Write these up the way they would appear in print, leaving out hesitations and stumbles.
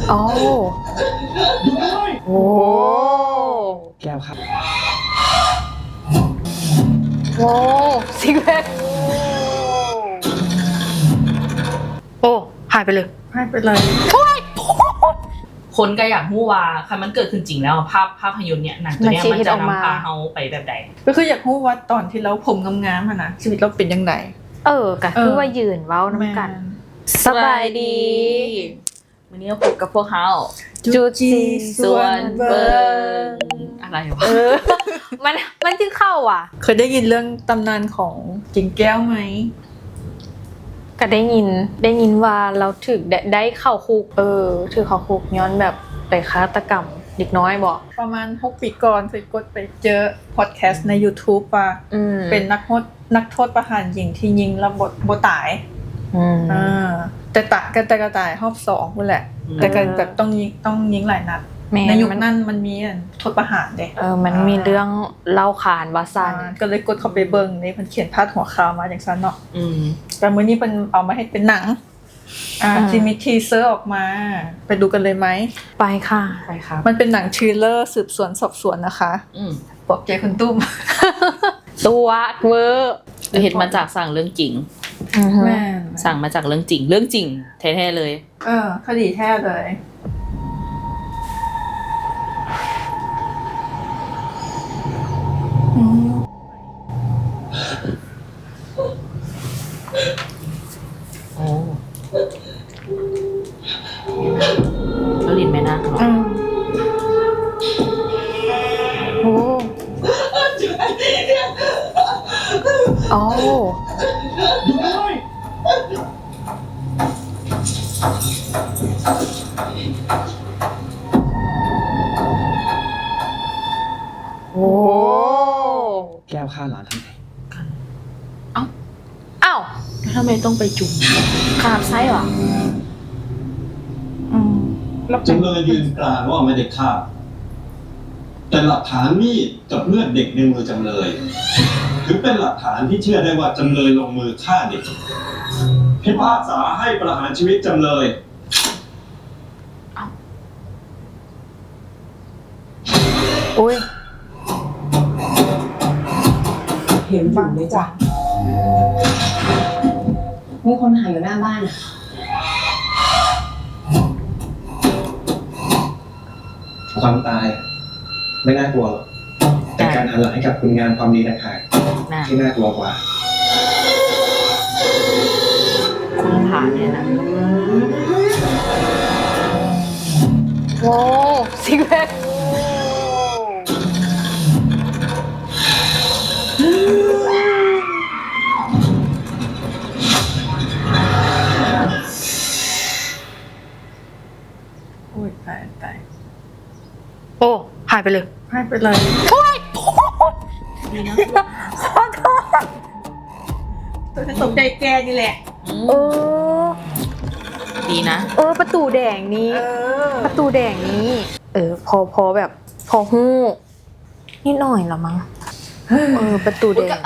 โอ้โอ้แก้วครับโอ้ซิกแพคโอ้หายไปเลยคนก็อยากรู้ว่าคันมันเกิดขึ้นจริงแล้วภาพยนตร์เนี่ยหนังตัวเนี้ยมันจะนำพาเฮาไปแบบใดก็คืออยากรู้ว่าตอนที่เราผมงามๆนะชีวิตเราเป็นยังไงก็คือว่ายืนเว้าน้ำกันสบายดีวันนี้เราพบกับพวกเฮาจูจีส่วนเบิงอะไรวะมันจึงเข้าอ่ะเคยได้ยินเรื่องตำนานของกิ่งแก้วไหมก็ได้ยินว่าเราถึกได้เข้าคุกถือเข้าคุกย้อนแบบไปฆาตกรรมเด็กน้อยบอกประมาณ6 ปีก่อนเคยกดไปเจอพอดแคสต์ใน YouTube ว่าเป็นนักโทษประหารหญิงที่ยิงแล้วบ่ตายแต่ก็ตายรอบ2นั่นแหละแต่ก็แบบต้องยิงหลายนัดในยุคนั้นมันมีโทษประหารเด้มันมีเรื่องเล่าขานว่าซั่นก็เลยกดเข้าไปเบิ่งนี่เพิ่นเขียนพาดหัวข่าวมาจังซั่นเนาะแต่มื้อนี้เพิ่นเอามาให้เป็นหนังที่มีทีเซอร์ออกมาไปดูกันเลยไหมไปค่ะมันเป็นหนังทริลเลอร์สืบสวนสอบสวนนะคะบอกใจคุณตุ้มตัวเวอร์เห็นมาจากสั่งเรื่องจริงสั่งมาจากเรื่องจริงแท้ๆเลยคดีแท้เลยโอ้แล้วลินแม่นาคเหรอโอ้โอ้โอ้แก้วฆ่าหลานทำไมอ้าวทำไมต้องไปจุ่มขาดไส้เหรอจำเลยยืนกรานว่าไม่ได้ฆ่าแต่หลักฐานมีดกับเลือดเด็กในมือจำเลยถือเป็นหลักฐานที่เชื่อได้ว่าจำเลยลงมือฆ่าเด็กพิพากษาให้ประหารชีวิตจำเลยอุ้ยเห็นอยู่ไหมจ๊ะมีคนหายอยู่หน้าบ้านความตายไม่น่ากลัวหรอกแต่การหันหลังให้กับคุณงามความดีต่างหากที่น่ากลัวกว่าคุณผ่านเนี่ยนะโอ้ซิกแพคตายโอ้หายไปเลยโอ้ยดีนะขอโทษตัวจะตกใจแกนี่แหละดีนะประตูแดงนี้พอแบบพอฮู้นิดหน่อยละมั้งประตูแดง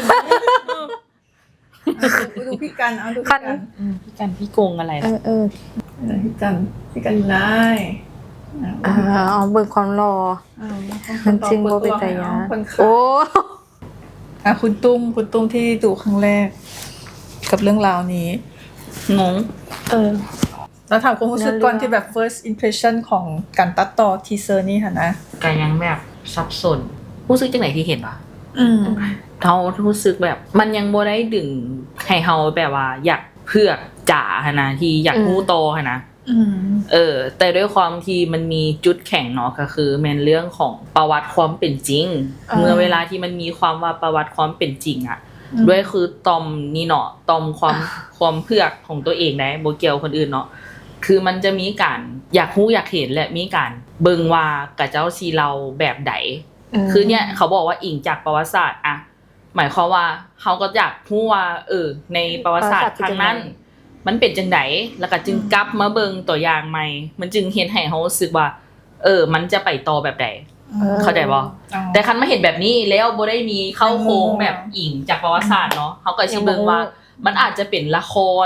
ดูพี่กันดูพี่กันพี่โกงอะไรล่ะพี่กันได้เบิกความรอมันจริงว่าเป็นใจยะโอ้คุณตุ้มที่ดูครั้งแรกกับเรื่องราวนี้งงแล้วถามความรู้สึกก่อนที่แบบ first impression ของการตัดต่อทีเซอร์นี่ค่ะนะก็ยังแบบสับสนรู้สึกจังไหนที่เห็นวะเขารู้สึกแบบมันยังบ่ได้ดึงให้เฮาแบบว่าอยากเพือกจ๋าหนะที่อยากรู้โตนะแต่ด้วยความที่มันมีจุดแข็งเนาะก็คือแม่นเรื่องของประวัติความเป็นจริงเมื่อเวลาที่มันมีความว่าประวัติความเป็นจริงอ่ะด้วยคือตอมนี่เนาะตอมความเพือกของตัวเองได้บ่เกี่ยวคนอื่นเนาะคือมันจะมีการอยากรู้อยากเห็นและมีการเบิ่งว่ากะเจ้าสิเราแบบใดคือเนี่ยเขาบอกว่าอิงจากประวัติศาสตร์อะหมายความว่าเขาก็อยากรู้ว่าในประวัติศาสตร์ครั้งนั้นมันเป็นจังไดแล้วก็จึงกลับมาเบิ่งตัวอย่างใหม่มันจึงเห็นให้เฮารู้สึกว่ามันจะไปต่อแบบใดเข้าใจบ่แต่คันมาเห็นแบบนี้แล้วบ่ได้มีเข้าโค้งแบบอิงจากประวัติศาสตร์เนาะเฮาก็สิเบิ่งว่ามันอาจจะเป็นละคร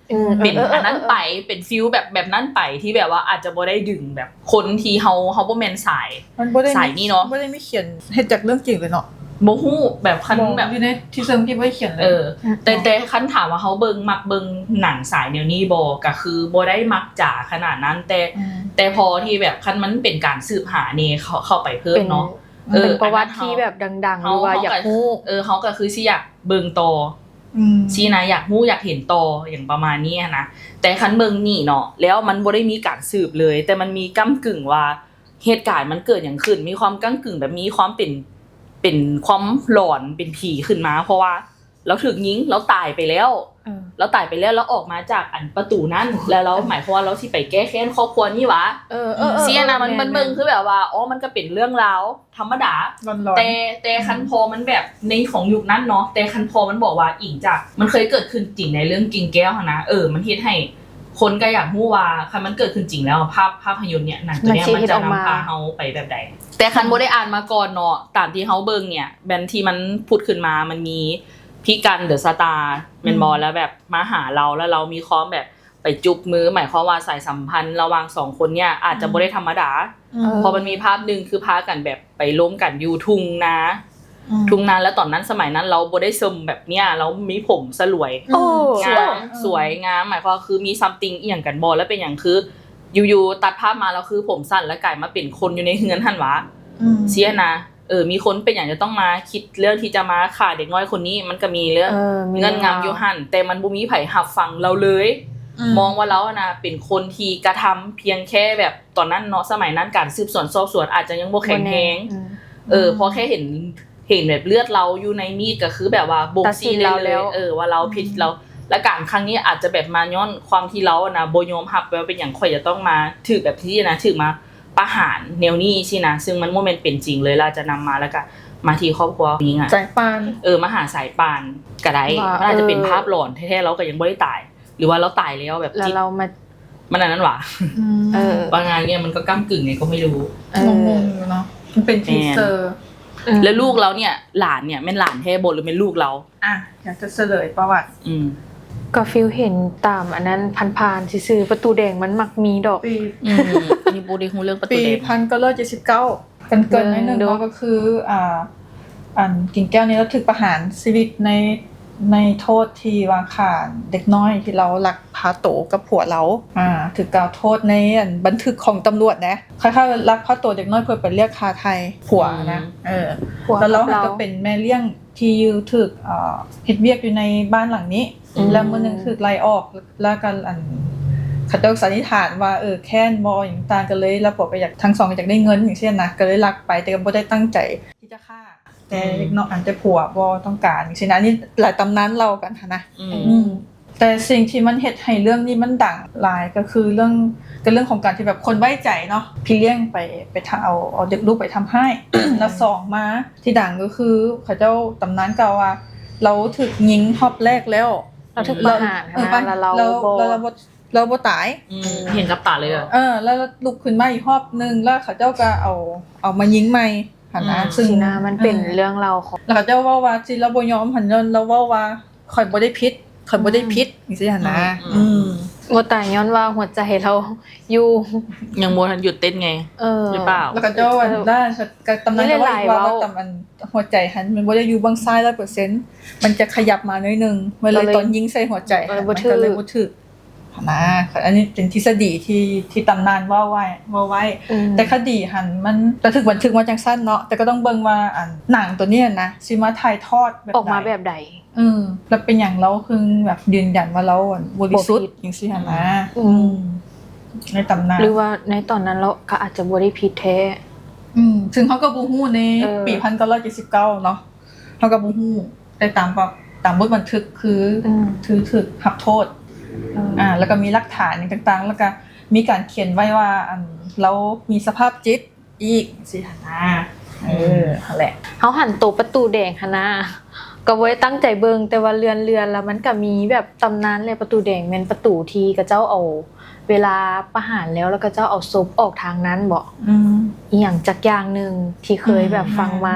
เป็นอันนั้นไปเป็นฟิลแบบนั้นไปที่แบบว่าอาจจะบ่ได้ดึงแบบคนที่เฮาบ่แม่นสายมันบ่ได้สายนี่เนาะบ่ได้มีเขียนเฮ็ดจากเรื่องจริงเลยเนาะบ่ฮู้แบบคันแบบอยู่ในที่เซิร์ฟที่บ่ได้เขียนเลยแต่คันถามว่าเฮามักเบิ่งหนังสายแนวนี้บ่ก็คือบ่ได้มักจ๋าขนาดนั้นแต่พอที่แบบคันมันเป็นการสืบหานี่เข้าไปเพิ่มเนาะเป็นประวัติที่แบบดังๆหรือว่าอยากรู้เฮาก็คือสิอยากเบิ่งต่อสินะอยากรู้อยากเห็นต่ออย่างประมาณนี้นะแต่คันเบิ่งนี่เนาะแล้วมันบ่ได้มีการสืบเลยแต่มันมีก้ำกึ่งว่าเหตุการณ์มันเกิดอย่างขึ้นมีความก้ำกึ่งแบบมีความเป็นความหลอนเป็นผีขึ้นมาเพราะว่าเราถูกยิงเราตายไปแล้วแล้วออกมาจากอันประตูนั้นแล้วเราหมายความว่าเราสิไปแก้แค้นครอบครัวนี่วะเสียนะมันเบิ่งคือแบบว่าอ๋อมันก็เป็นเรื่องราวธรรมดาแต่คันพอมันแบบในของยุคนั้นเนาะแต่คันพอมันบอกว่าอิงจากมันเคยเกิดขึ้นจริงในเรื่องกิ่งแก้วนะมันเฮ็ดให้คนก็อยากรู้ว่าคันมันเกิดขึ้นจริงแล้วภาพยนตร์เนี่ยหนังตัวเนี้ยมันจะนำพาเฮาไปแบบใดแต่คันบ่ได้อ่านมาก่อนเนาะตามที่เฮาเบิ่งเนี่ยแบนที่มันพูดขึ้นมามันมีพี่กันเดอะสตาร์แม่นบ่แล้วแบบมาหาเราแล้วเรามีความแบบไปจุบมือหมายความว่าสายสัมพันธ์ระหว่าง2คนเนี่ยอาจจะบ่ได้ธรรมดาพอมันมีภาพนึงคือพากันแบบไปล้มกันอยู่ทุ่งนาแล้วตอนนั้นสมัยนั้นเราบ่ได้ซึมแบบเนี้ยเรามีผมสลวยสวยงามหมายความคือมีซัมติงอีหยังกันบ่แล้วเป็นหยังคืออยู่ๆตัดภาพมาแล้วคือผมสั้นแล้วกลายมาเป็นคนอยู่ในเฮือนหั่นวะเสียนะมีคนเป็นอย่างจะต้องมาคิดเรื่องที่จะมาฆ่าเด็กน้อยคนนี้มันก็มีเรื่องเงื่อนงำอยู่หั่นแต่มันบ่มีไผรับฟังเราเลยมองว่าเรานะเป็นคนที่กระทำเพียงแค่แบบตอนนั้นเนาะสมัยนั้นการสืบสวนสอบสวนอาจจะยังบ่แข็งแรงพอแค่เห็นแบบเลือดเราอยู่ในมีดก็คือแบบว่าบ่งชี้ได้เลยว่าเราผิดเราและการครั้งนี้อาจจะแบบมาย้อนความที่เรานะบ่ยอมรับว่าเป็นหยังข่อยจะต้องมาถือแบบที่นะถือมาประหารแนวนี้สินะซึ่งมันบ่แม่นเป็นจริงเลยเราจะนำมาแล้วก็มาที่ครอบครัวนี้อ่ะสายปานมาหาสายปานก็ได้มันอาจจะเป็นภาพหลอนแท้ๆเราก็ยังบ่ได้ตายหรือว่าเราตายแล้วแบบแล้วเรามามันอันนั้นหว่าบางงานเนี่ยมันก็ก้ำกึ่งไงก็ไม่รู้งงๆเนาะมันเป็นทีเซอร์แล้วลูกเราเนี่ยหลานเนี่ยแม่นหลานแท้บ่หรือเป็นลูกเราอยากจะเฉลยประวัติก็ฟิลเห็นตามอันนั้นผ่านๆซื่อๆประตูแดงมันมักมีดอกนี่บ่ได้ฮู้เรื่องประตูแดงปี1979เกินๆนิดนึงก็คืออันกิ่งแก้วนี่เราถูกประหารชีวิตในโทษที่ว่าฆ่าเด็กน้อยที่เราลักพาโตกับผัวเราถูกกล่าวโทษในบันทึกของตำรวจนะคล้ายๆลักพาโตเด็กน้อยเพื่อไปเรียกค่าไทยผัวนะแล้วเราก็เป็นแม่เลี้ยงที่อยู่ถูกเฮ็ดเวียกอยู่ในบ้านหลังนี้แล้วมื้อนึงถูกไล่ออกแล้วก็เขาจะสันนิษฐานว่าแค้นบ่อย่างต่างกันเลยแล้วผัวก็อยากทั้งสองอยากได้เงินอย่างเช่นนะก็เลยลักไปแต่ก็บ่ได้ตั้งใจที่จะฆ่าแต่เด็กน้อยแต่ผัวบ่ต้องการอย่างเช่นอันนี้หลายตำนานเล่ากันนะแต่สิ่งที่มันเฮ็ดให้เรื่องนี้มันดังหลายก็คือเรื่องของการที่แบบคนไว้ใจเนาะพี่เลี้ยงไปเอาเด็กลูกไปทำให้ แล้วสองมาที่ดังก็คือเขาเจ้าตำนานกล่าวว่าเราถูกยิงรอบแรกแล้วเราถูกประหารแล้วเราบ่ตายเห็นกับตาเลยแล้วลุกขึ้นมาอีกรอบนึงแล้วเขาเจ้าก็เอามายิงใหม่หั่นนะซึ่งมันเป็นเรื่องเราของแล้วเขาเจ้าว่าสิเราบ่ยอมหั่นเราว่าข่อยบ่ได้ผิดจังซี่หั่นนะบ่ตายย้อนว่าหัวใจเราอยู่ยังบ่ทันหยุดเต้นไงหรือเปล่าแล้วก็เจ้าได้ตำนานว่าตำอันหัวใจหันมันบ่ได้อยู่บางซ้าย 100% มันจะขยับมาหน่อยนึงเวลาตอนยิงใส่หัวใจมันก็เลยบ่ถึกนะอันนี้เป็นทฤษฎีที่ตำนานว่าไว้แต่คดีหันมันถึกบันทึกมาจังซั่นเนาะแต่ก็ต้องเบิ่งว่าหนังตัวนี้นะสิมาถ่ายทอดแบบออกมาแบบใดแล้วเป็นอย่างเราคือแบบยืนยันว่าเราบริสุทธิ์จังซี่หั่นนะในตำนานหรือว่าในตอนนั้นเราก็อาจจะบ่ได้ผิดแท้ซึ่งเฮาก็บ่ฮู้ในปี1979เนาะเฮาก็บ่ฮู้แต่ตามบทบันทึกคือถูกรับโทษแล้วก็มีหลักฐานต่างๆแล้วก็มีการเขียนไว้ว่าเรามีสภาพจิตอีกสิหั่นนะนั่นแหละเฮาหันโตประตูแดงหั่นนะก็บ่ได้ตั้งใจเบิ่งแต่ว่าเรือนแล้วมันก็มีแบบตำนานเลยประตูแดงแม่นประตูที่กระเจ้าเอาเวลาประหารแล้วก็เจ้าเอาศพออกทางนั้นบ่อีหยังจักอย่างนึงที่เคยแบบฟังมา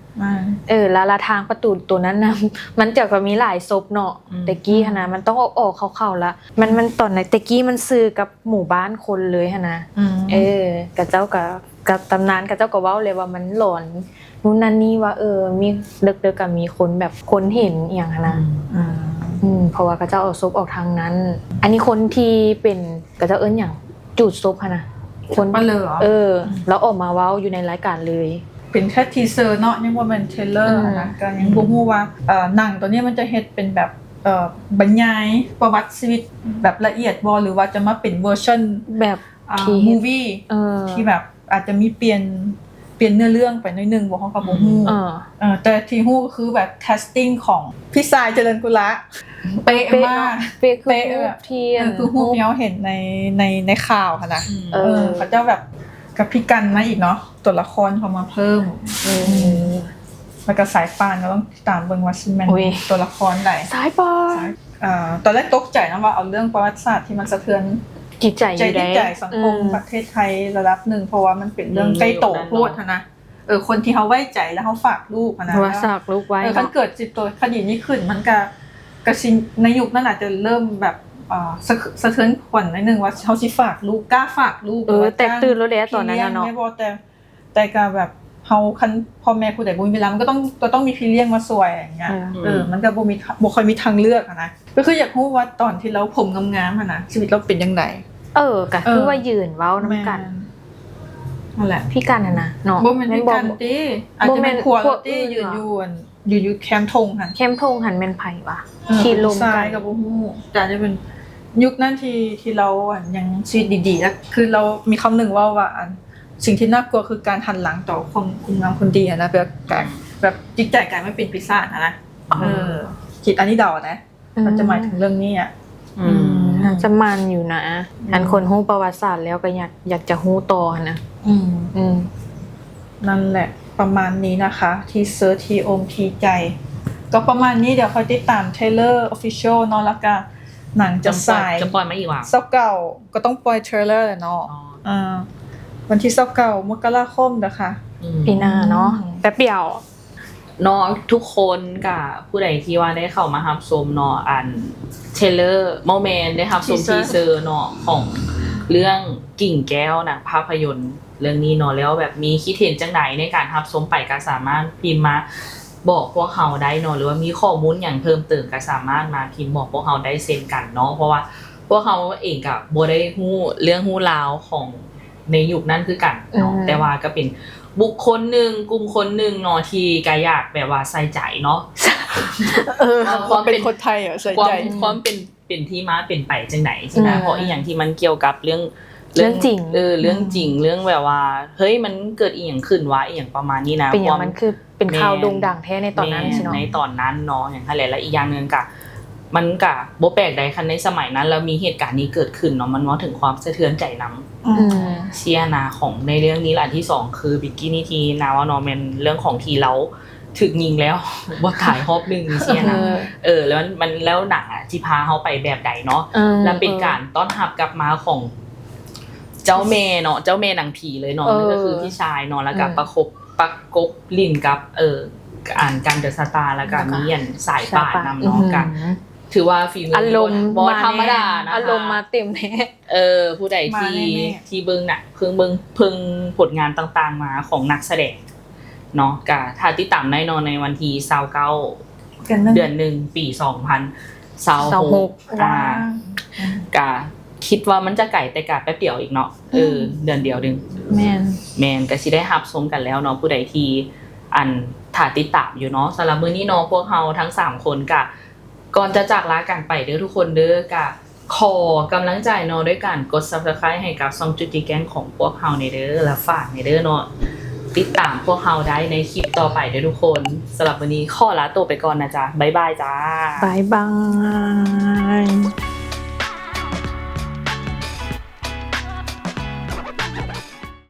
แล้วละทางประตูตัวนั้นนะมันจะก็มีหลายศพเนาะแต่กี้หั่นนะมันต้องออกเข้าๆละมันตอนไหนแต่กี้มันซื้อกับหมู่บ้านคนเลยหั่นนะกับเจ้ากับตำนานกับเจ้าก็เว้าเลยว่ามันหลอนนู่นนั่นนี่ว่ามีเด็กๆก็มีคนแบบคนเห็นอีหยังหั่นนะเพราะว่ากับเจ้าเอาศพออกทางนั้นอันนี้คนที่เป็นกับเจ้าหยังจูดศพหั่นนะคนมาเลยเหรอแล้วออกมาเว้าอยู่ในรายการเลยเป็นแค่ทีเซอร์เนาะยังบ่แม่นเทรลเลอร์นะก็ยังบ่ฮู้ว่าหนังตัวนี้มันจะเฮ็ดเป็นแบบบรรยายประวัติชีวิตแบบละเอียดบ่หรือว่าจะมาเป็นเวอร์ชั่นแบบมูวี่ที่แบบอาจจะมีเปลี่ยนเนื้อเรื่องไปหน่อยนึงบ่ฮู้ก็บ่ฮู้แต่ที่ฮู้ก็คือแบบแคสติ้งของพี่สายเจริญกุละเป๊ะมากเป๊ะแบบที่คือฮู้ที่เฮาเห็นในข่าวค่ะนะเขาเจ้าแบบกับพี่กันมาอีกเนาะตัวละครเขามาเพิ่มแล้วก็สายปานก็ต้องตามเบิ่งว่าซิแม่นตัวละครใดสายปานตอนแรกตกใจนะว่าเอาเรื่องประวัติศาสตร์ที่มันสะเทือนจิตใจสังคมประเทศไทยระดับนึงเพราะว่ามันเป็นเรื่องใกล้โตโพดนะคนที่เขาไว้ใจแล้วเขาฝากลูกนะว่าฝากลูกไว้คันเกิดจิตตัวคดีนี้ขึ้นมันก็สิในยุคนั้นอาจจะเริ่มแบบสะเทือนขวัญนิดนึงว่าเฮาสิฝากลูกกล้าฝากลูกแต่ตื่นแล้วแหละตอนนั้นเนาะไม่บ่แต่ก็แบบเฮาคันพ่อแม่ผู้ใดบ่มีเวลามันก็ต้องมีพี่เลี้ยงมาช่วยอย่างเงี้ยมันก็บ่ค่อยมีทางเลือกนะก็คืออยากรู้ว่าตอนที่เราผมงามๆนะชีวิตเราเป็นจังไดก็คือว่ายืนเว้านำกันนั่นแหละพี่กันน่ะเนาะบ่แม่นพี่กันติอาจจะเป็นครัวติยืนอยู่แคมป์ธงหั่นแคมป์ธงหั่นแม่นไผวะที่ลมกันกับบ่ฮู้จะเป็นยุคนั้นที่เรายังชีวิตดีๆแล้วคือเรามีคำหนึ่งว่าสิ่งที่น่ากลัวคือการหันหลังต่อคนงามคนดีนะแบบจิตใจกลายไม่เป็นปีศาจนะคิดอันนี้เดานะมันจะหมายถึงเรื่องนี้จะมันอยู่นะอันคนฮู้ประวัติศาสตร์แล้วก็อยากจะฮู้ต่อนะนั่นแหละประมาณนี้นะคะที่เซิร์ชทีอมทีใจก็ประมาณนี้เดี๋ยวค่อยติดตามเทรลเลอร์ Official เนาะแล้วก็หนังจะสายจะปล่อยมาอีกว่า 29ก็ต้องปล่อยเทรลเลอร์เนาะวันที่29มกราคมนะคะปีหน้าเนาะแป๊บเดียวเนาะทุกคนกับผู้ใดที่ว่าได้เข้ามารับชมเนาะอันเทรลเลอร์โมเมนต์ได้รับชมทีเซอร์เนาะของเรื่องกิ่งแก้วหนังภาพยนตร์เรื่องนี้เนาะแล้วแบบมีคิดเห็นจังไดในการรับชมไปก็สามารถพิมพ์มาบอกพวกเฮาได้เนาะหรือว่ามีข้อมูลหยังเพิ่มเติมก็สามารถมาพิมพ์บอกพวกเฮาได้เช่นกันเนาะเพราะว่าพวกเฮาเองก็บ่ได้ฮู้เรื่องฮู้ราวของในยุคนั้นคือกันเนาะแต่ว่าก็เป็นบุคคลนึงกลุ่มคนนึงเนาะที่ก็อยากแบบว่าใส่ใจเนาะความเป็นคนไทยใส่ใจความเป็นที่มาเป็นไปจังได๋ใช่มั้ยเพราะอีหยังที่มันเกี่ยวกับเรื่องจริงเรื่องจริงเรื่องแบบว่าเฮ้ยมันเกิดอีหยังขึ้นวะอีหยังประมาณนี้นะเป็นอย่างมันคือเป็นข่าวโด่งดังแท้ในตอนนั้นใช่เนาะในตอนนั้นเนาะอย่างนั้นแหละและอีกอย่างนึงก็มันก็บ่แปลกใดคันในสมัยนั้นแล้วมีเหตุการณ์นี้เกิดขึ้นเนาะมันว่าถึงความสะเทือนใจนำเชียนาของในเรื่องนี้อันที่2คือบิกกี้นี่ทีนาว่าเนาะมันเรื่องของที่เราถึกยิงแล้วบ่ถ่ายรอบนึงเชียนะแล้วมันแล้วหนังที่พาเฮาไปแบบใดเนาะแล้วเป็นการต้อนรับกลับมาของเจ้าแม่เนาะเจ้าแม่นางผีเลยเนาะนั่นก็คือพี่ชายเนาะแล้วก็ประกบลิ้นกับอ่านกันเดอะสตาร์แล้วก็มีอันสายป่านำเนาะกันถือว่าฝีมืออารมณ์บ่ธรรมดานะคะอารมณ์มาเต็มแท้ผู้ใดที่เบิ่งน่ะเพิ่งผลงานต่างๆมาของนักแสดงเนาะก็ถ้าติดตามได้เนาะในวันที่29เดือน1ปี2026ก็คิดว่ามันจะไก่แต่กะแป๊บเดียวอีกเนาะเดือนเดียวนึงแม่นก็สิได้รับชมกันแล้วเนาะผู้ใดที่อันถ้าติดตามอยู่เนาะสำหรับมื้อนี้เนาะพวกเฮาทั้ง3คนก็ก่อนจะจากลากันไปเด้อทุกคนเด้อก็ขอกำลังใจเนาะด้วยการกด Subscribe ให้กับช่องจุจิแก๊งของพวกเฮาในเด้อและฝากในเด้อเนาะติดตามพวกเฮาได้ในคลิปต่อไปเด้อทุกคนสำหรับวันนี้ขอลาตัวไปก่อนนะจ๊ะบ๊ายบายจ้าบ๊ายบาย